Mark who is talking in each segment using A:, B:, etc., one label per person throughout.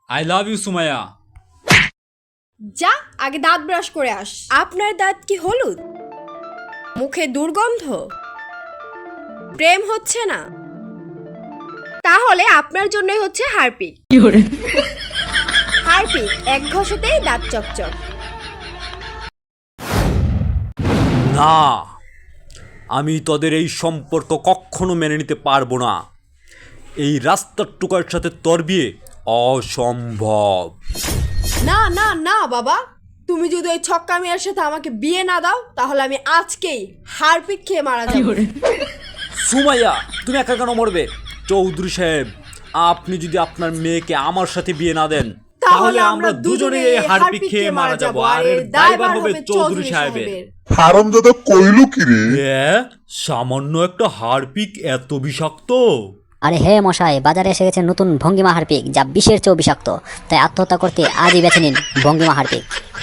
A: I love you Sumaiya.
B: যা আগে দাঁত ব্রাশ করে আস। আপনার দাঁত কি হলুদ? মুখে দুর্গন্ধ? প্রেম হচ্ছে না? তাহলে আপনার জন্যই হচ্ছে হারপিক। হারপিক এক ঘষেতেই দাঁত চকচক।
A: না, আমি তোদের এই সম্পর্ক কখনো মেনে নিতে পারবো না। এই রাস্তার টুকার সাথে তোর বিয়ে অসম্ভব।
B: না না না বাবা, তুমি যদি ওই ছক্কা মেয়ের সাথে আমাকে বিয়ে না দাও তাহলে আমি আজকেই হারপিক খেয়ে মারা যাবো।
A: সুমাইয়া, তুমি একা কেন মরবে? চৌধুরী সাহেব, আপনি যদি আপনার মেয়েকে আমার সাথে বিয়ে না দেন তাহলে আমরা দুজনেই এই হারপিক খেয়ে মারা যাবো, আর এর দায়ভার হবে চৌধুরী সাহেবের।
C: হারামজাদা কইলো কি রে?
A: সামান্য একটা হারপিক এত বিষাক্ত?
D: আরে হে মশাই, বাজারে এসে গেছে নতুন ভঙ্গিমা হারপিক, যা বিষের চেয়েও বিষাক্ত। তাই আত্মহত্যা করতে আজই বেছে নিন ভঙ্গিমা হারপিক।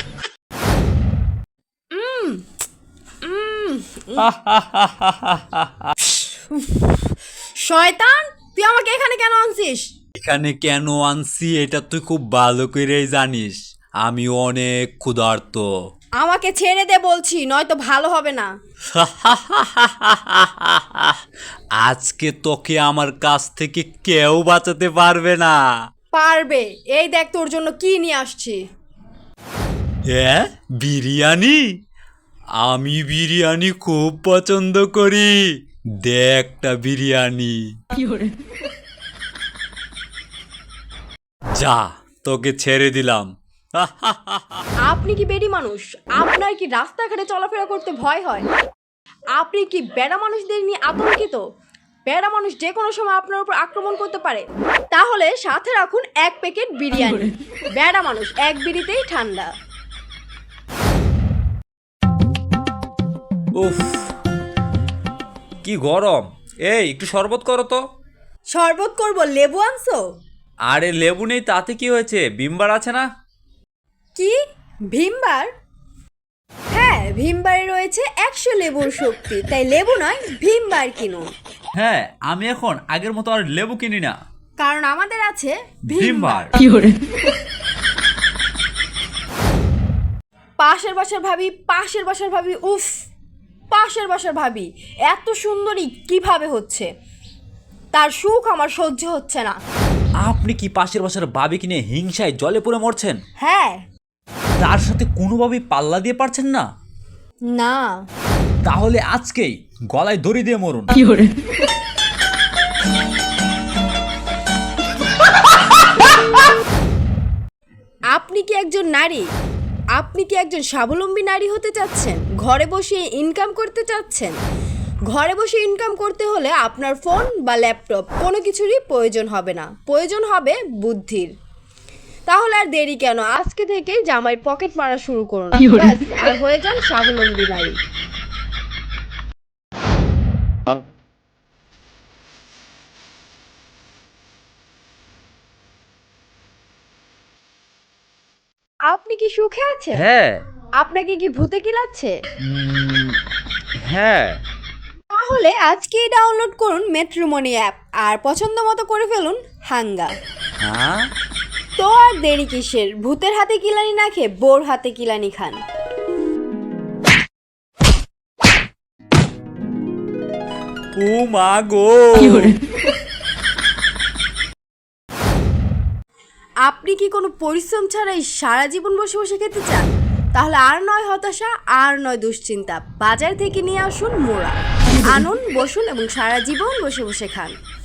B: শয়তান, তুই আমাকে এখানে কেন আনছিস?
A: এখানে কেন আনছি এটা তুই খুব ভালো করেই জানিস। আমি অনেক ক্ষুধার্ত।
B: আমাকে ছেড়ে দে বলছি, নয়তো ভালো হবে না।
A: আজকে তোকে আমার কাছ থেকে কেউ বাঁচাতে পারবে না।
B: পারবে, এই দেখ তোর জন্য কি নিয়ে আসছি।
A: হ্যাঁ, বিরিয়ানি? আমি বিরিয়ানি খুব পছন্দ করি। দেখটা বিরিয়ানি। যা, তোকে ছেড়ে দিলাম।
B: আপনি কি বেডি মানুষ? আপনার কি রাস্তাঘাটে চলাফেরা করতে ভয় হয়? আপনি কি বেড়া মানুষদের নিয়ে আতঙ্কিত? বেড়া মানুষ যে কোনো সময় আপনার উপর আক্রমণ করতে পারে। তাহলে সাথে রাখুন এক প্যাকেট বিরিয়ানি। বেড়া মানুষ এক বিড়িতেই ঠান্ডা।
A: উফ, কি গরম! এই একটু শরবত করো তো।
B: শরবত করব, লেবু আনছো?
A: আরে লেবু নেই তাতে কি হয়েছে, ভিমবার আছে না?
B: কি ভীমবার? হ্যাঁ, ভীমবারে রয়েছে 100 লেবুর শক্তি, তাই লেবু নয় ভীমবার কিনুন।
A: হ্যাঁ, আমি এখন আগের মতো আর লেবু কিনি না,
B: কারণ আমাদের আছে
A: ভিমবার।
B: পাশের বাসার ভাবি, উফ, পাশের বাসার ভাবি এত সুন্দরী কিভাবে হচ্ছে? তার সুখ আমার সহ্য হচ্ছে না।
A: আপনি কি পাশের বাসার বাবি কিনে হিংসায় জলে পড়ে মরছেন?
B: হ্যাঁ।
A: তার সাথে কোনোভাবেই পাল্লা দিয়ে পারছেন না?
B: না।
A: তাহলে আজকেই গলায় দড়ি দিয়ে মরুন।
B: আপনি কি একজন নারী? আপনি কি একজন স্বাবলম্বী নারী হতে চাচ্ছেন? ঘরে বসে ইনকাম করতে চাচ্ছেন? ঘরে বসে ইনকাম করতে হলে আপনার ফোন বা ল্যাপটপ কোনো কিছুরই প্রয়োজন হবে না, প্রয়োজন হবে বুদ্ধির। তাহলে আর দেরি কেন, আজকে থেকেই জামাই পকেট মারা শুরু করুন, ব্যাস, আর হয়ে যান স্বাবলম্বী নারী। আপনি কি সুখে আছেন?
A: হ্যাঁ।
B: আপনাকে কি ভূতে কিলাচ্ছে?
A: হ্যাঁ।
B: তাহলে আজকেই ডাউনলোড করুন ম্যাট্রিমনি অ্যাপ আর পছন্দ মতো করে ফেলুন হাঙ্গা।
A: হ্যাঁ,
B: তো আর দেরি কিসের? ভূতের হাতে কিলানি না খেয়ে বোর হাতে কিলানি খান।
A: ও মা গো!
B: আপনি কি কোনো পরিশ্রম ছাড়াই সারা জীবন বসে বসে খেতে চান? তাহলে আর নয় হতাশা, আর নয় দুশ্চিন্তা, বাজার থেকে নিয়ে আসুন মোড়া। আনুন, বসুন এবং সারা জীবন বসে বসে খান।